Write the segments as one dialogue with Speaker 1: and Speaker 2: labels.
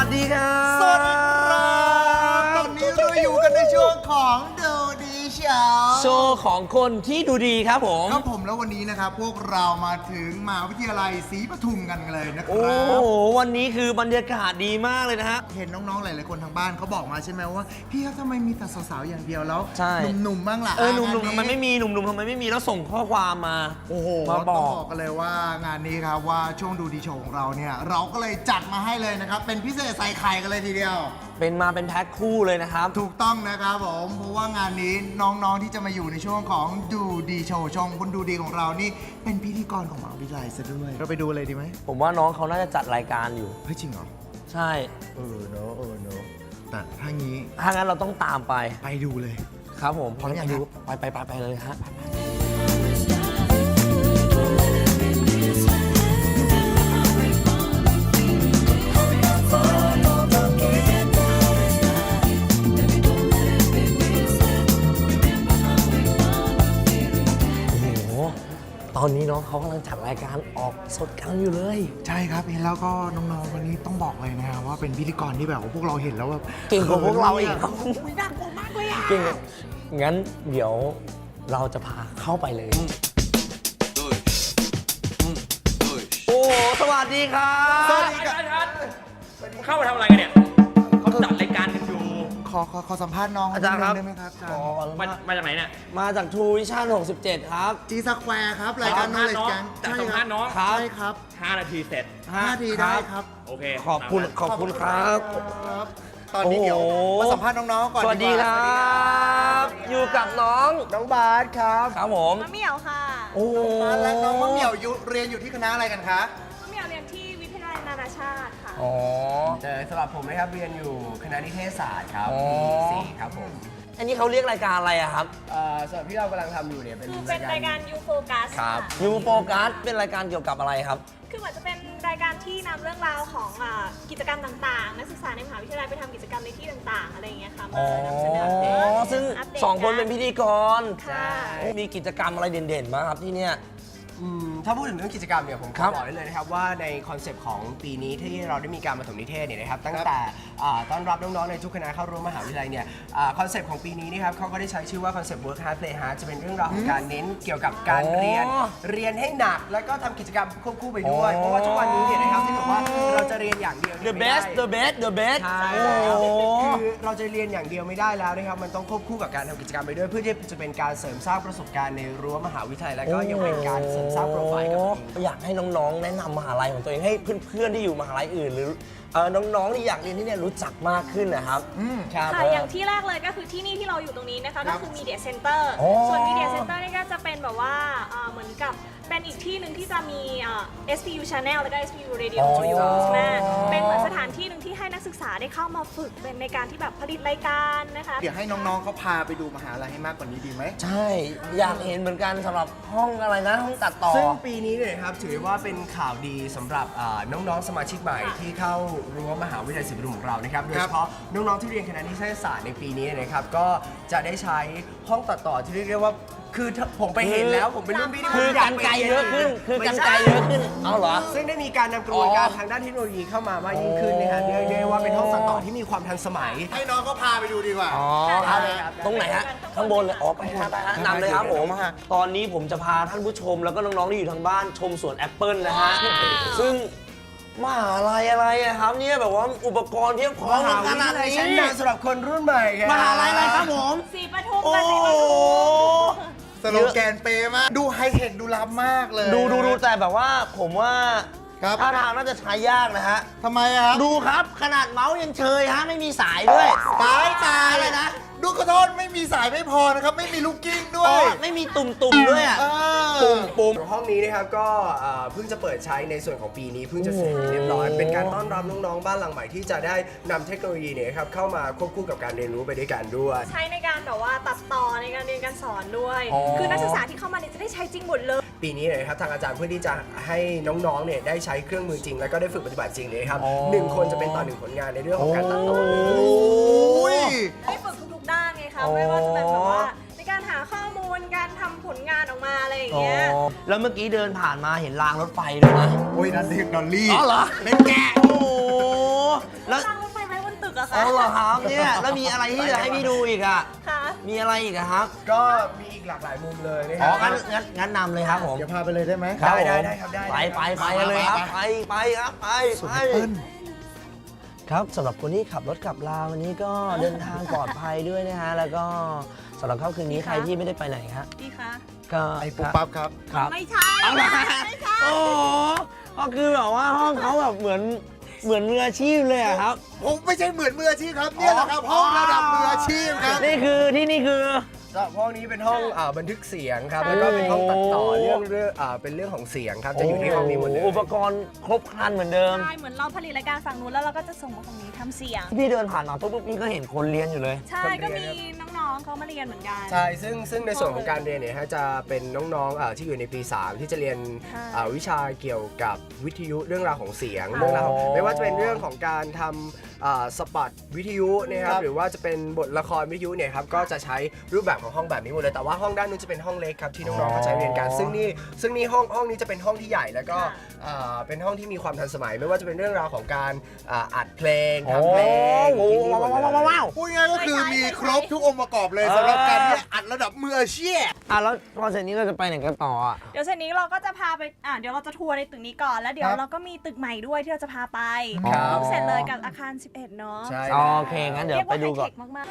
Speaker 1: วัสดีครับ
Speaker 2: สวัสดีครับตอนนี้เราอยู่กันในช่วงของดูดีโชว์
Speaker 1: ของคนที่ดูดีครับผม
Speaker 2: ครับผมแล้ววันนี้นะครับพวกเรามาถึงมหาวิทยาลัยศรีปทุมกันเลยนะค
Speaker 1: โอ้
Speaker 2: รับ
Speaker 1: โหวันนี้คือบรรยากาศดีมากเลยนะฮะ
Speaker 2: เห็นน้องๆหลายๆคนทางบ้านเขาบอกมาใช่ไหมว่าพี่ครับทำไมมีแต่สาวๆอย่างเดียวแล้ว
Speaker 1: ใช่
Speaker 2: หนุ่มๆบ้างล่ะ
Speaker 1: หนุ่มๆ
Speaker 2: งา
Speaker 1: ทำไมไม่มีหนุ่มๆทำไมไม่มีแล้วส่งข้อความมา
Speaker 2: โอ้โห
Speaker 1: มาบ
Speaker 2: ต้
Speaker 1: อ
Speaker 2: อง
Speaker 1: ก
Speaker 2: บอกกันเลยว่างานนี้ครับว่าช่วงดูดีโชว์ของเราเนี่ยเราก็เลยจัดมาให้เลยนะครับเป็นพิเศษใส่ไข่กันเลยทีเดียว
Speaker 1: เป็นแพ็คคู่เลยนะครับ
Speaker 2: ถูกต้องนะครับผมเพราะว่างานนี้น้องๆที่จะมาอยู่ในช่วงของดูดีโชว์ช่องคนดูดีของเรานี่เป็นพิธีกรของมหาวิทยาลัยซะด้วยเราไปดูเลยดีไหม
Speaker 1: ผมว่าน้องเขาน่าจะจัดรายการอยู่
Speaker 2: เฮ้ยจริงเหรอ
Speaker 1: ใช่
Speaker 2: เเนอะแต่ถ้างี้
Speaker 1: ถ้างั้นเราต้องตามไป
Speaker 2: ไปดูเลย
Speaker 1: ครับผม
Speaker 2: พร้อมยัง
Speaker 1: ไปดู
Speaker 2: ครับ
Speaker 1: ไปเลยฮะตอนนี้น้องเขากำลังจัดรายการออกสดกันอยู่เลย
Speaker 2: ใช่ครับเห็นแล้วก็น้องๆวันนี้ต้องบอกเลยนะครับว่าเป็นพิธีกรที่แบบว่าพวกเราเห็นแล้วแบบ
Speaker 1: เก่งกว่าพวกเราอีก
Speaker 2: ครับไม่น่ากลัวมากเลยอ่ะ
Speaker 1: เก่งงั้นเดี๋ยวเราจะพาเข้าไปเลย โอ้โหสวัสดีครับ
Speaker 2: สวัสดีครับ
Speaker 3: ทัศน์เข้ามาทำอะไรกันเนี่ยเขาจัดรายการกันอยู่
Speaker 2: ขอสัมภาษณ์น้อง
Speaker 1: อาจารย์ครับ
Speaker 2: ได้ไหมครับอาจาร
Speaker 1: ขอ
Speaker 2: ย์
Speaker 3: มาจากไหนเนี่ย
Speaker 1: มาจากทูวิชั่น67 ครับ
Speaker 2: จีสแควร์ครับรายการ
Speaker 3: สัมภาษณ์
Speaker 2: Knowledge
Speaker 3: น้อง
Speaker 2: Gang
Speaker 3: จัดสัมภาษณ์น้อง
Speaker 1: ครับ
Speaker 2: ใช่ครับ
Speaker 3: 5 นาทีเสร็จ
Speaker 2: 5 นาทีได้ครับ
Speaker 3: โอเค
Speaker 1: ขอบคุณ
Speaker 3: ตามนั้น
Speaker 1: ขอบคุณครับ
Speaker 2: ครับตอนนี้เดี๋ยว
Speaker 1: โอ้โห
Speaker 2: มาสัมภาษณ์น้องๆก่อน
Speaker 1: สวัสดี
Speaker 2: ก
Speaker 1: ค
Speaker 2: ว่า
Speaker 1: รับ อยู่กับน้อง
Speaker 2: น้องบาสครับ
Speaker 1: ครับผม
Speaker 4: มะเหมี่ยวค่ะ
Speaker 1: โอ้โห
Speaker 2: บาสและน้องมะเหมี่ยวเรียนอยู่ที่คณะอะไรกันคะ
Speaker 4: มะเหมี่ยวเรียนที่วิทยาลัยนานาชาติค่ะ
Speaker 1: อ๋อ
Speaker 5: สำหรับผมนะครับเรียนอยู่คณะนิเทศศาสตร์ครับ
Speaker 1: อ๋อ
Speaker 5: ปี4ครับผม
Speaker 1: อันนี้เขาเรียกรายการอะไรอะครับ
Speaker 5: สำหรับที่เรากำลังทำอยู่เนี่ยเป็น
Speaker 4: คือเป็นรายการ U Focus ค่ะ
Speaker 1: ยูโฟกัสเป็นรายการเกี่ยวกับอะไรครับ
Speaker 4: คือเหมือนจะเป็นรายการที่นำเรื่องราวของกิจกรรมต่างๆ นักศึกษาในมหาวิทยาลัยไปทำกิจกรรมในที่ต่างๆ อะไรอย่างเงี้ยค่ะ
Speaker 1: อ๋
Speaker 4: มา
Speaker 1: อ
Speaker 4: นำเสนออัปเดต
Speaker 1: ซึ่ง
Speaker 4: อัปดต
Speaker 1: สองคนเป็นพิธีกร
Speaker 4: ค่ะ
Speaker 1: มีกิจกรรมอะไรเด่นๆบ้างครับที่เนี่ย
Speaker 5: ถ้าพูดถึงเรื่องกิจกรรมเนี่ยผม
Speaker 1: ครั
Speaker 5: ข
Speaker 1: บ
Speaker 5: อบอกได้เลยนะครับว่าในคอนเซปต์ของปีนี้ที่เราได้มีการมาถมนิเทศเนี่ยนะครับตั้งแต่ต้อนรับน้องๆในทุกคณะเข้าร่วมมหาวิทยาลัยเนี่ยคอนเซปต์ของปีนี้นะครับเขาก็ได้ใช้ชื่อว่าคอนเซปต์ work hard play hard จะเป็นเรื่องราวของการเน้นเกี่ยวกับการเรียนให้หนัก แล้วก็ทำกิจกรรมควบคู่ไปด้วยเพราะว่าทุกวันนี้เนี่ยนะครับที่บอกว่าเราจะเรียนอย่างเดียวเนี่ย
Speaker 1: The
Speaker 5: ไม่ได้
Speaker 1: best the best the best
Speaker 5: ใช่
Speaker 1: โอ้โห
Speaker 5: คือเราจะเรียนอย่างเดียวไม่ได้แล้วนะครับ มันต้องควบคู่กับการทำกิจกรรมไปด้วย เพื่อที่จะเป็นการเสริมสร้างประสบการณ์ในรั้วมหาวิทยาลัยและก็ยังเป็นการเสริมสร้างโปรไฟล์กับตัวเอง
Speaker 1: อยากให้น้องๆ แนะนำมหาลัยของตัวเองให้เพื่อนๆที่อยู่มหาลัยอื่น หรือน้องๆที่อยากเรียนที่เนี่ยรู้จักมากขึ้นนะครับครับ
Speaker 4: ค่ะ อย่างที่แรกเลยก็คือที่นี่ที่เราอยู่ตรงนี้นะคะ ก็คือ Media Center
Speaker 1: โอ้
Speaker 4: ส่วน Media Center นี่ก็จะเป็นแบบว่าเหมือนกับเป็นอีกที่หนึ่งที่จะมีSPU Channel แล้วก็ SPU Radio
Speaker 1: อ๋อ
Speaker 4: Studio ใช่ไหมเป็นเหมือนสถานที่หนึ่งที่ให้นักศึกษาได้เข้ามาฝึกเป็นในการที่แบบผลิตรายการนะคะ
Speaker 2: เดี๋ยวให้น้องๆเขาพาไปดูมหาลัยให้มากกว่านี้ดีไหม
Speaker 1: ใช่ อยากเห็นเหมือนกันสำหรับห้องอะไรนะ ห้องตัดต่อ
Speaker 5: ซึ่งปีนี้เนี่ยนะครับถือว่าเป็นข่าวดีสำหรับน้องๆสมาชิกใหม่ที่เข้ารั้วมหาวิทยาลัยศรีปทุมของเรานะครับโดยเฉพาะน้องๆที่เรียนคณะนิเทศศาสตร์ในปีนี้นะครับก็จะได้ใช้ห้องตัดต่อที่เรียกได้ว่าคือผมไปเห็นแล้วผมเป็นรุ่นพี่ที่ผม
Speaker 1: คือ
Speaker 5: อยา
Speaker 1: กั
Speaker 5: ก
Speaker 1: น
Speaker 5: ไป
Speaker 1: ไกล
Speaker 5: รีน
Speaker 1: เยอะขึ้น คือ
Speaker 5: ไม่
Speaker 1: กัน
Speaker 5: ใช่
Speaker 1: ไกลเยอะขึ้น เอาเหรอ
Speaker 5: ซึ่งได้มีการนำกระบวนการ
Speaker 1: อ๋อ
Speaker 5: ทางด้านเทคโนโลยีเข้ามามากยิ่งขึ้นนะฮะเรียกได้ว่าเป็นห้องตัดต่อที่มีความทันสมัย
Speaker 2: ให้น้องเขาพาไปดูดีกว่า
Speaker 1: อ๋อ
Speaker 5: เอาเลยครับ
Speaker 1: ตรงไหนฮะ ข้างบนเลย อ๋อ ไปฮะไปฮะนำเลยครับผม ตอนนี้ผมจะพาท่านผู้ชมแล้วก็น้องๆที่อยู่ทางบ้านชมสวนแอปเปิลนะฮะ ซึ่งมหาลัยอะไรอะครับเนี่ยแบบว่าอุปกรณ์เพียบพร้อม
Speaker 5: มหา
Speaker 1: ข
Speaker 5: วิท
Speaker 1: นาด
Speaker 5: ยาลัย
Speaker 1: นี้
Speaker 5: ชั้นนำสำหรับคนรุ่นใหม่ครับ
Speaker 1: มหาลัยอะไรครับผม
Speaker 4: สีปทุม
Speaker 1: โอ้
Speaker 4: กับสีป
Speaker 1: โห
Speaker 4: ทุม
Speaker 2: สโลแกนเป๊ะมาก ดูไฮเทคดูล้ำมากเลย
Speaker 1: ดูแต่แบบว่าผมว่า
Speaker 2: ครับ
Speaker 1: ท่าทางน่าจะใช้ยากนะฮะ
Speaker 2: ทำไมอะครับ
Speaker 1: ดูครับขนาดเมาส์ยังเชยฮะไม่มีสายด้วย
Speaker 2: ตาย
Speaker 1: อะไรนะ
Speaker 2: ดูขอโทษไม่มีสายไม่พอนะครับ ไม่มีลูกกิ้งด้ว
Speaker 1: อ๋
Speaker 2: ย
Speaker 1: อไม่มีตุ่มๆด้วยอ่ะ
Speaker 2: เออ
Speaker 1: ปุ่ม
Speaker 5: ห้องนี้นะครับก็เพิ่งจะเปิดใช้ในส่วนของปีนี้เพิ่งจะเสร็จเรียบร้อยเป็นการต้อนรับน้องๆบ้านหลังใหม่ที่จะได้นำเทคโนโลยีเนี่ยครับเข้ามาควบคู่กับการเรียนรู้ไปด้วยกันด้วย
Speaker 4: ใช้ในการแบบว่าตัดต่อในการเรียนการสอนด้วย
Speaker 1: อ๋อ
Speaker 4: คือนักศึกษาที่เข้ามาเนี่ยจะได้ใช้จริงหมดเลย
Speaker 5: ปีนี้เนี่ยนะครับทางอาจารย์เพื่อที่จะให้น้องๆเนี่ยได้ใช้เครื่องมือจริง แล้วก็ได้ฝึกปฏิบัติจริงเลยครับ
Speaker 1: อ๋อ
Speaker 5: หนึ่งคนจะเป็นต่อหนึ่งผลงานในเรื่องของการตัดต่อ
Speaker 2: โอ้ย
Speaker 4: ได้ฝึกทุกๆด้านไงคะไม่ว่าจะเป็นแบบว่าในการหาข้อมูลการทำผลงานออกมาอะไรอย่าง
Speaker 1: อ๋อ
Speaker 4: เงี้ย
Speaker 1: แล้วเมื่อกี้เดินผ่านมาเห็นรางรถไฟด้วยนะ
Speaker 2: โอ้ยนั่นเด็กดอลลี่
Speaker 1: อ๋อเหรอ
Speaker 2: เป็นแกะ
Speaker 1: โอ้โหแล้ว
Speaker 4: ตั้งรถไฟไว้บนตึกอะ
Speaker 1: อ๋
Speaker 4: ค่ะ
Speaker 1: อเหรอครับเนี่ยแล้วมีอะไรที่จะให้พี่ดูอีกอ่ะ
Speaker 4: ค่ะ
Speaker 1: มีอะไรอีกอะครับ
Speaker 5: ก็มีอีกหลากหลายมุมเลยนะค
Speaker 1: อ๋อ
Speaker 5: รับ
Speaker 1: งั้นนำเลยครับผม
Speaker 2: เดี๋ยวพาไปเลยได้ไหม
Speaker 1: ครับผม
Speaker 5: ได้ครับได้
Speaker 1: ไปเลยครับไปครับไป
Speaker 2: สุดแอปเปิ้ล
Speaker 1: ครับสำหรับคนที่ขับรถขับลาวันนี้ก็เดินทางปลอดภัยด้วยนะฮะแล้วก็สำหรับค่ำคืนนี้ใครที่ไม่ได้ไปไหนฮะ
Speaker 4: ดีค่ะ
Speaker 1: ก็
Speaker 2: ไอ้ปุ๊บปั๊บครับ
Speaker 1: ครับ
Speaker 4: ไม่ใช่
Speaker 1: เอาละ
Speaker 4: ไม่ใช่
Speaker 1: โอ้โหก็คือแบบว่าห้องเขาแบบเหมือนมืออาชีพเลยอะครับ
Speaker 2: ผมไม่ใช่เหมือนมืออาชีพครับเนี่ยแหละครับห้องระดับมืออาชีพครับ
Speaker 1: นี่คือที่นี่คือ
Speaker 5: สำหรับห้องนี้เป็นห้องบันทึกเสียงครับ แล้วก็เป็นห้องตัดต่อเรื่องเป็นเรื่องของเสียงครับ จะอยู่ที่ห้องนี้หมดเลย
Speaker 1: อุปกรณ์ครบครันเหมือนเดิม
Speaker 4: ใช่เหมือนเราผลิตรายการฝั่งนู้นแล้วเราก็จะส่งมาฝั่งนี้ทำเสียง
Speaker 1: พี่เดินผ่านมาปุ๊บพี่ก็เห็นคนเรียนอยู่เลย
Speaker 4: ใช่ก็มีน้องๆเขามาเรียนเหมือนกัน
Speaker 5: ใช่ซึ่งในส่วนของการเรียนเนี่ยฮะจะเป็นน้องๆที่อยู่ในปี 3 ที่จะเรียน
Speaker 4: ค่ะ
Speaker 5: วิชาเกี่ยวกับวิทยุเรื่องราวของเสียง
Speaker 4: ค่ะ
Speaker 5: เรื่องราวไม่ว่าจะเป็นเรื่องของการทำสปอตวิทยุนะครับหรือว่าจะเป็นบทละครวิทยุเนี่ยครับก็จะใช้รูปแบบของห้องแบบนี้หมดเลยแต่ว่าห้องด้านนู้นจะเป็นห้องเล็กครับที่น้องๆเขาใช้เรียนกันซึ่งนี่ห้องนี้จะเป็นห้องที่ใหญ่แล้วก็เป็นห้องที่มีความทันสมัย ไม่ว่าจะเป็นเรื่องราวของการอัดเพลงทำเพลง
Speaker 1: โอ้
Speaker 5: ที่นี่หมดเลย
Speaker 1: ว้าว
Speaker 2: พูดง่ายๆก็คือมีครบทุกองค์ประกอบเลยสำหรับการที่อัดระดับมืออาชีพ
Speaker 1: แล้วพอเสร็จนี้เราจะไปไหนกันต่ออ่ะ
Speaker 4: เดี๋ยวเสร็จนี้เราก็จะพาไปเดี๋ยวเราจะทัวร์ในตึกนี้ก่อน แล้วเดี๋ยว
Speaker 2: ครับ
Speaker 4: เราก็มีตึกใหม่ด้วยที่เราจะพาไป
Speaker 5: ครับ
Speaker 4: เสร็จเลยกับอาคาร 11 เนาะ
Speaker 5: ใช่
Speaker 1: โอเคงั้นเดี๋ยว
Speaker 4: เรียก
Speaker 1: ไป
Speaker 4: ว่า
Speaker 1: ดู
Speaker 4: ไฮ
Speaker 1: ก่อ
Speaker 4: เท
Speaker 1: น
Speaker 4: คมาก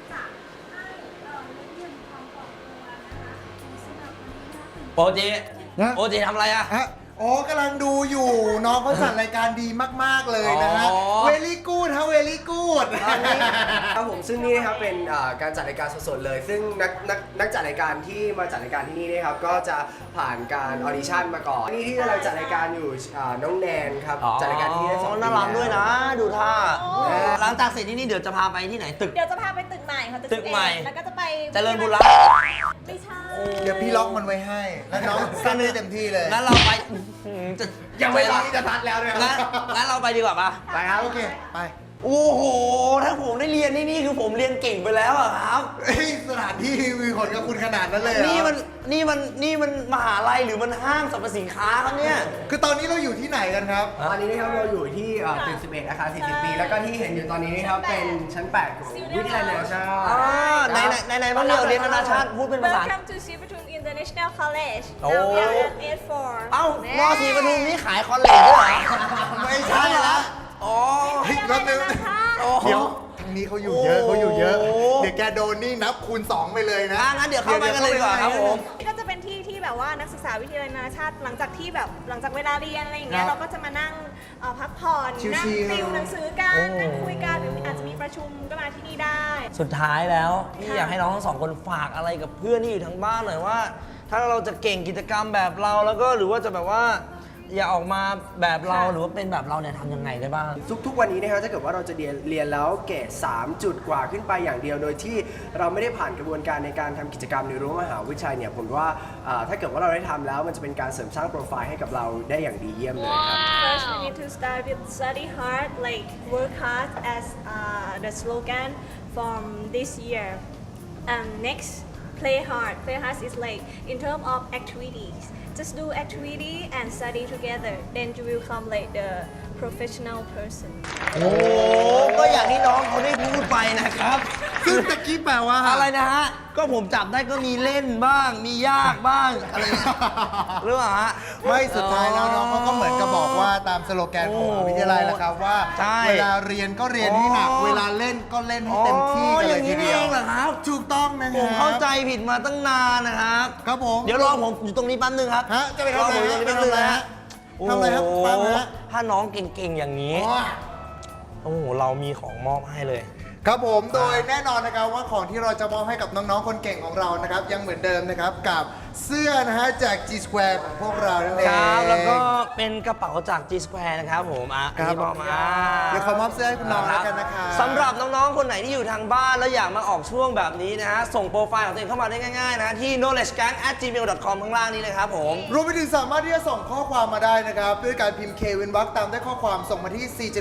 Speaker 4: ๆ
Speaker 1: โปเจ
Speaker 2: นะ
Speaker 1: โปเจทำอะไรอ่ะ
Speaker 2: ฮะอ๋อกำลังดูอยู่น้องเขาจัดรายการดีมากๆเลยนะฮะ
Speaker 1: อ๋อ
Speaker 2: เวลี่กูดฮะเวลี่กูด
Speaker 5: ครับผมซึ่งนี่นะครับเป็นการจัดรายการสดๆเลย ซึ่งนักจัดรายการที่มาจัดรายการที่นี่นะครับก็จะผ่านการออดิชั่นมาก่อนนี่ที่กำลังจัดรายการอยู่น้องแนนครับจัดรายการที่นี่ได้2 ปี
Speaker 1: น่ารักด้วยนะ ดูท่าหลังจากเสร็จที่นี่เดี๋ยวจะพาไปที่ไหนตึก
Speaker 4: เดี๋ยวจะพาไปตึกใหม่ค่ะ
Speaker 1: ตึกใหม่
Speaker 4: 11แล้วก็จะไป
Speaker 1: เจริญบุรี
Speaker 4: ไม่ใช่
Speaker 2: เดี๋ยวพี่ล็อกมันไว้ให้ แล้วน้องสร้างได้เต็มที่เลย
Speaker 1: งั้นเราไปจะ
Speaker 2: ยังไม่ร้อนจะทัดแล้วเลย
Speaker 1: งั้นเราไปดีกว่าปะ
Speaker 2: ไปครับโอเคไป
Speaker 1: โอ้โห ถ้าผมได้เรียนที่นี่คือผมเรียนเก่งไปแล้วอะครับ
Speaker 2: เฮ้ยสถานที่มีผลกับคุณขนาดนั้นเลยเหรอ
Speaker 1: นี่มันมหาลัยหรือมันห้างสรรพสินค้าครับเนี่ย
Speaker 2: คือตอนนี้เราอยู่ที่ไหนกันครับ
Speaker 5: ตอนนี้นะครับเราอยู่ที่ตึก11อาคาร40 ปี แล้วก็ที่เห็นอยู่ตอนนี้นะครับเป็นชั้น 8 ของวิทยาลัยนานาชาติ
Speaker 1: ไหนบ้างเนี่ยเรียนนานาชาติพูดเป็นภาษา
Speaker 4: Welcome to Sivatum International College
Speaker 1: โอ้
Speaker 4: Now we are at 84
Speaker 1: เอ้ามอสีปทุมนี่ขายคอนเลจด้วยเหรอ
Speaker 2: ไม่ใช่ละ
Speaker 1: อ๋อ
Speaker 2: เฮ้ยแป๊บนึง
Speaker 1: โอ้
Speaker 2: เดี๋ยวทางนี้เขาอยู่เยอะ
Speaker 1: โอ้
Speaker 2: เขาอยู่เยอะ เดี๋ยวแกโดนนี่นับคูณ 2 ไปเลยนะ
Speaker 1: งั้นเดี๋ยวเข้าไปกันเลยดีกว่าครับผม
Speaker 4: นี่ก็จะเป็นที่ที่แบบว่านักศึกษาวิทยาลัยนานาชาติหลังจากที่แบบหลังจากเวลาเรียนอะไรอย่างเงี้
Speaker 2: ครั
Speaker 4: ย
Speaker 2: บ
Speaker 4: เราก็จะมานั่งพักผ่อน
Speaker 2: ชิลๆ
Speaker 4: นั่งติวหนังสือกัน
Speaker 1: โอ้
Speaker 4: นั่งคุยกันหรืออาจจะมีประชุมก็มาที่นี่ได้
Speaker 1: สุดท้ายแล้วพี่อยากให้น้องทั้งสองคนฝากอะไรกับเพื่อนที่อยู่ทางบ้านหน่อยว่า ถ้าเราจะเก่งกิจกรรมแบบเราแล้วก็หรือว่าจะแบบว่า อย่าออกมาแบบเราหรือว่าเป็นแบบเราเนี่ยทำยังไงได้บ้าง
Speaker 5: ทุกวันนี้นะครับถ้าเกิดว่าเราจะเรียนแล้วเกรด3 จุดกว่าขึ้นไปอย่างเดียว โดยที่เราไม่ได้ผ่านกระบวนการในการทำกิจกรรมในรั้วมหาวิทยาลัยเนี่ยผมว่าถ้าเกิดว่าเราได้ทำแล้วมันจะเป็นการเสริมสร้างโปรไฟล์ให้กับเราได้อย่างดีเยี่ยมเลยครับ
Speaker 4: First we need to start with study hard like work hard as the slogan from this year and next play hard is like in terms of activities just do activity and study together then you will become like the professional person
Speaker 1: โอ้ก็อย่างที่น้องเขาได้พูดไปนะครับ
Speaker 2: ซึ่งตะกี้แปลว่า
Speaker 1: อะไรนะฮะ ก็ผมจับได้ก็มีเล่นบ้าง มียากบ้างอะไรอย่างเงี้ยหรือเปล่าฮะ
Speaker 2: ไม่สุดท้ายแล้วน้องเขาก็เหมือนกับบอกว่าตามสโลแกนของมหาวิทยาลัยแหละครับว่า
Speaker 1: ใช่
Speaker 2: เวลาเรียนก็เรียนให้หนัก
Speaker 1: อ๋อ
Speaker 2: เวลาเล่นก็เล่นให้เต็มที่กัน
Speaker 1: อ
Speaker 2: เล
Speaker 1: ย่าย ง
Speaker 2: ที
Speaker 1: นี้นี่
Speaker 2: เดีย
Speaker 1: เอ
Speaker 2: ว
Speaker 1: งเหรอครับ
Speaker 2: ถูกต้องนะค
Speaker 1: ผ
Speaker 2: รับ
Speaker 1: มเข้าใจผิดมาตั้งนานนะครับ
Speaker 2: ครับผม
Speaker 1: เดี๋ยวรอผมอยู่ตรงนี้แป๊บนึงครับ
Speaker 2: ฮะจะไปทำอะไร
Speaker 1: รอผมอยู่ตรงนี้แป๊บนึงนะฮะ
Speaker 2: ทำอะไรครับ
Speaker 1: โอ้
Speaker 2: ฟัง
Speaker 1: โห
Speaker 2: ฮะ
Speaker 1: ถ้าน้องเก่งๆอย่างนี้
Speaker 2: อ๋อ
Speaker 1: โอ้โห เรามีของมอบให้เลย
Speaker 2: ครับผมโดยแน่นอนนะครับว่าของที่เราจะมอบให้กับน้องๆคนเก่งของเรานะครับยังเหมือนเดิมนะครับกับเสื้อนะฮะจาก G Square ของพวกเรานั่นเอง
Speaker 1: ครับ แล้วก็เป็นกระเป๋าจาก G Square นะครับผมอัน
Speaker 2: ครับ
Speaker 1: นี้บอกมา
Speaker 2: เดี๋ยวขอมอบเสื้อให้คุณน้องแล้วกันนะครับ
Speaker 1: สำหรับน้องๆ คนไหนที่อยู่ทางบ้านแล้วอยากมาออกช่วงแบบนี้นะฮะ ส่งโปรไฟล์ของตัวเองเข้ามาได้ง่ายๆนะที่ knowledgegang@gmail.com ข้างล่างนี้เลยครับผม
Speaker 2: รวมไปถึงสามารถที่จะส่งข้อความมาได้นะครับด้วยการพิมพ์ K เว้นวรรคตามด้วยข้อความส่งมาที่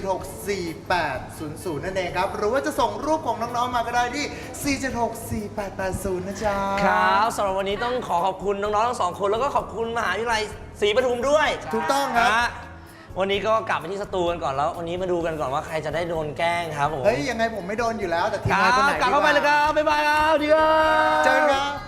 Speaker 2: 4764800 นั่นเองครับหรือว่าจะส่งรูปของน้องๆมาก็ได้ที่ 4764880 นะจ๊ะ
Speaker 1: ครับสำหรับวันนี้ต้องขอขอบคุณน้องๆ ทั้งสองคนแล้วก็ขอบคุณมหาวิทยาลัยศรีปทุมด้วย
Speaker 2: ถูกต้องครับ
Speaker 1: นะฮะวันนี้ก็กลับไปที่สตูกันก่อนแล้ว วันนี้มาดูกันก่อนว่าใครจะได้โดนแกล้งครับผม
Speaker 2: เฮ้ย ยังไงผมไม่โดนอยู่แล้ว แต่ทีม
Speaker 1: ค
Speaker 2: งานคน
Speaker 1: รับ
Speaker 2: ไหน
Speaker 1: กลับเข้าไปเลยครับบ๊ายบายครับดีครับ
Speaker 2: เจอกันครับ